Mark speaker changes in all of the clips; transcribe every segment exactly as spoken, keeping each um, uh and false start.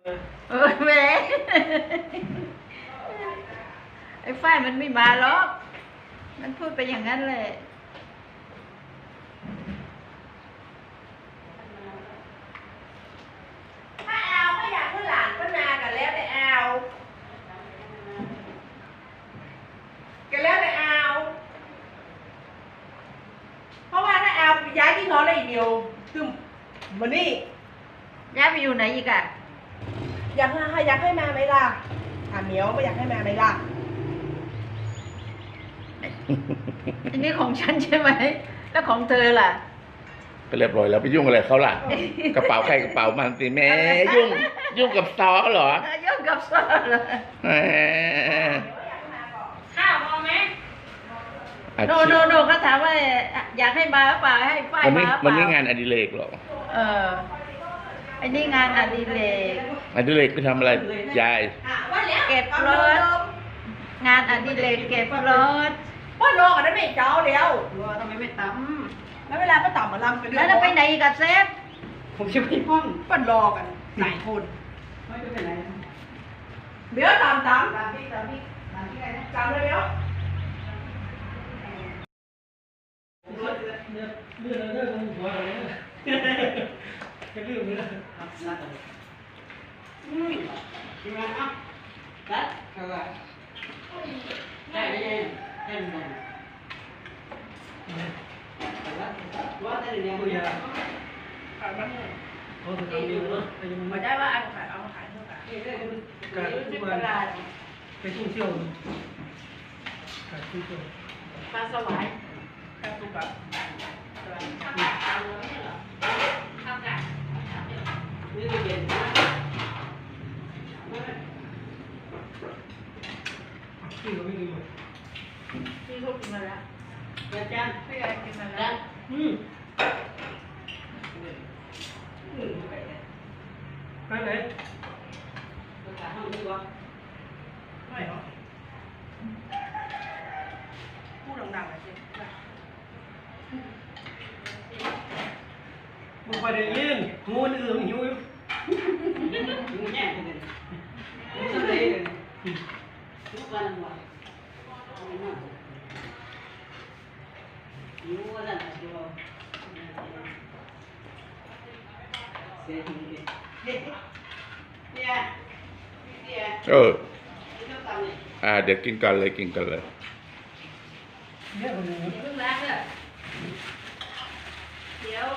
Speaker 1: เออแหมไอ้ฝ้ายมันไม่มาหรอกมันพูดไปอย่างนั้นเลย
Speaker 2: ถ้าเอาก็อยากให้หลานก็นากันแล้วแต่เอากันแล้วแต่เอาเพราะว่าถ้าเอาย้ายที่นอนได้อีกเดียวคือมันนี่
Speaker 1: ย้ายไปอยู่ไหนอีกอะ
Speaker 2: อยากให้อยากให้มาไหมล่ะถามเหมียวไม่อยากให้มาไหมล่ะ
Speaker 1: อันนี้ของฉันใช่ไหมแล้วของเธอล่ะ
Speaker 3: ก็เรียบร้อยแล้วไปยุ่งอะไรเขาล่ะ กระเป๋าใครกระเป๋ามันสิแม่ยุ่งยุ่งกับซอเหรอ
Speaker 1: ยุ่งกับซอเหรอ
Speaker 3: แหม
Speaker 4: ข้าวพอไหม
Speaker 3: อา
Speaker 1: โน
Speaker 3: ชีพ
Speaker 1: โนโนเขาถามว่าอยากให้มาหรือเปล่าให้ฝ้าย
Speaker 3: วัน
Speaker 1: มา
Speaker 3: นี้
Speaker 1: หรือเป
Speaker 3: วันนี้
Speaker 1: ล่าง
Speaker 3: านอดิเรกเหรอ
Speaker 1: เออไอ้นี่งานอดิเรก
Speaker 3: อดิเรกคือทำอะไรยาย
Speaker 2: ว่าแล้ว
Speaker 1: เก็บรถ งานอดิเรกเก็บรถ
Speaker 2: ว่าโลกันได้ไม่เจ้าเดียว
Speaker 1: ว่าทำไมไม่ต
Speaker 2: แล้วเวลาป้าต่ำมาลำกัน
Speaker 1: ำแล้วจะไปไหนอีกับเซฟ
Speaker 2: ผมจะไปห้องป้ารอกันหลายคนไม่จะไปไหนเดี๋ยวตามตามตามพี่ตามพี่ตามพี่อะไรนะจำเลยเดี๋ยว
Speaker 5: เรื่องเรื่องเรื่องของหัวอะไรเนี่ยเป็นเรื่องนี้นะ
Speaker 2: อืมกินมาอ่ะรัดเข้าไปได้ได้ได้ได้ได้ว่าแต่เดี๋ยว
Speaker 5: ตัวยา
Speaker 2: ขายมันเนี่ย
Speaker 5: เขาถึงทำเองเนาะไปยัง
Speaker 2: มา
Speaker 5: ไม่
Speaker 2: ได้ว่าเอาขายเอาขายเท่าไหร่นี่เรื่องการที่ตลาด
Speaker 5: ไปท่องเที่ยวการท่องเที่ยว
Speaker 2: ปลาสวายปลาตุกะนี่จะเย็นนะ
Speaker 5: ที่เราไม่กินหมด
Speaker 2: พี่เขากินมาแล้วเดี๋ยวจ้าพี่อะไรกินมาแล้ว
Speaker 5: อืมไปไหน
Speaker 2: ไม่หรอพูดดังๆหน่อยสิ
Speaker 5: มึงไปได้ยินงูนี่อื่นหิวอยู่
Speaker 2: มึงแย่งกันเลยมึงเลยทุกวันวันหิววันนั้นเดียวเสียทีเดียวเนี่ยเนี่ย
Speaker 3: เออ
Speaker 2: ไม่ต้องทำเลย
Speaker 3: อ่าเดี๋ยวกินกันเลยกินกันเลย
Speaker 5: เนี่ยคนนี้
Speaker 1: เพิ่งล้างเลยเดี๋ยว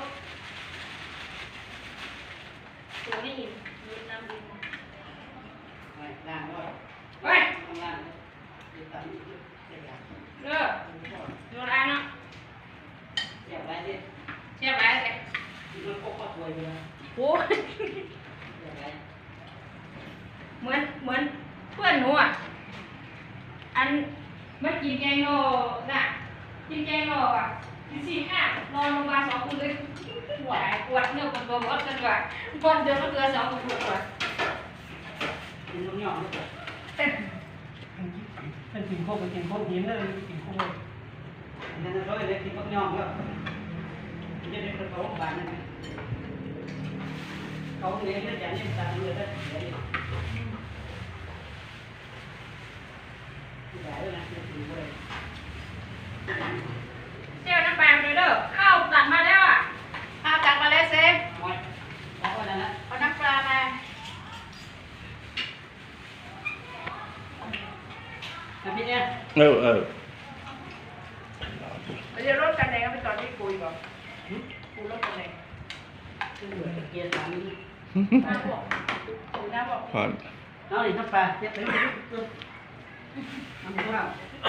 Speaker 1: ตัวนี้มีน้ำดิน
Speaker 2: ไปล้างด้วย
Speaker 4: เฮ้ย
Speaker 2: ทำงานเดี๋ยวทำเดี๋ยวเดี๋ยว
Speaker 4: เลิกโยนอันเนาะ
Speaker 2: เดี๋ยวไปดิ
Speaker 4: เชื่อไว้เลย
Speaker 2: มันก็ก็ถวยไปแล้ว
Speaker 4: โอ้ย
Speaker 2: เดี๋ยวไป
Speaker 4: เหมือนเหมือนเพื่อนหนูอ่ะ อันมันกินแกงโนน่ะ กินแกงโนอ่ะกินสี่ห้านอนโรงพยาบาลสองคืนเลยปวดปวดเนื้อปวดตัวหมดกันว่ะปวดเดือนละเดือนสองปวดปวด
Speaker 2: กินน้ำหยองด้วย
Speaker 5: เป็นกินโคกเป็นกินโคกหินเลยกินโคก
Speaker 2: อันนั้นเราเลยกินน้ำหยองแล้วจะได้ประกอบบ้านนั่นเขาเลี้ยงได้อย่างนี้ตามเลยได้เดี๋ยวนี้ได้แล้วนะจะถือไว้
Speaker 4: เจ้าน้ำปลาไปเลยเด้อข้าวตักมาแล้วอ่ะ
Speaker 1: เอาตักมาแล้วเซฟ
Speaker 2: ไว้เอาไว้แล้วนะ
Speaker 1: เอาน้ำปลามา
Speaker 2: นะพี่เนี่ย
Speaker 3: เออเออ
Speaker 2: เดี๋ยวรถกันแดงก็ไปจอดที่คุยก่อนคุยรถกันแดงคือเหมือนเกียร์สามนี่น้าบอกน้าบอก
Speaker 3: ผ่อน
Speaker 2: น้องนี่น้ำปลาเจ็บไปน้ำปลา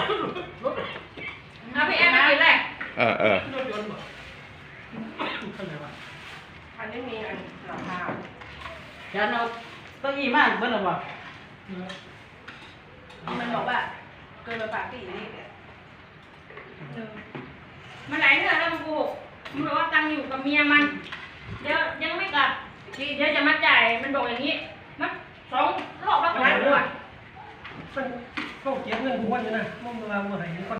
Speaker 4: เอาพี่แอนมากินเลย
Speaker 3: เออเออ
Speaker 5: รถยนต์บ่ข้างไหนวะ
Speaker 2: อันนี้มีอันหลังคาเดี๋ยวเราเก้าอี้มากเบิ้ลหรอวะมันบอกว่าเกินไปปากตีนี่
Speaker 4: มันหลายเรื่องแล้วมันโกหกมันบอกว่าตังค์อยู่กับเมียมัน เดี๋ยวยังไม่กลับเดี๋ยวจะมาจ่ายมันบอกอย่างนี้ มันสองรอบแล้วกลับด้วย
Speaker 5: มันเข้าเก็บเงินทุกวันอยู่นะมันมาเมื่อไหร่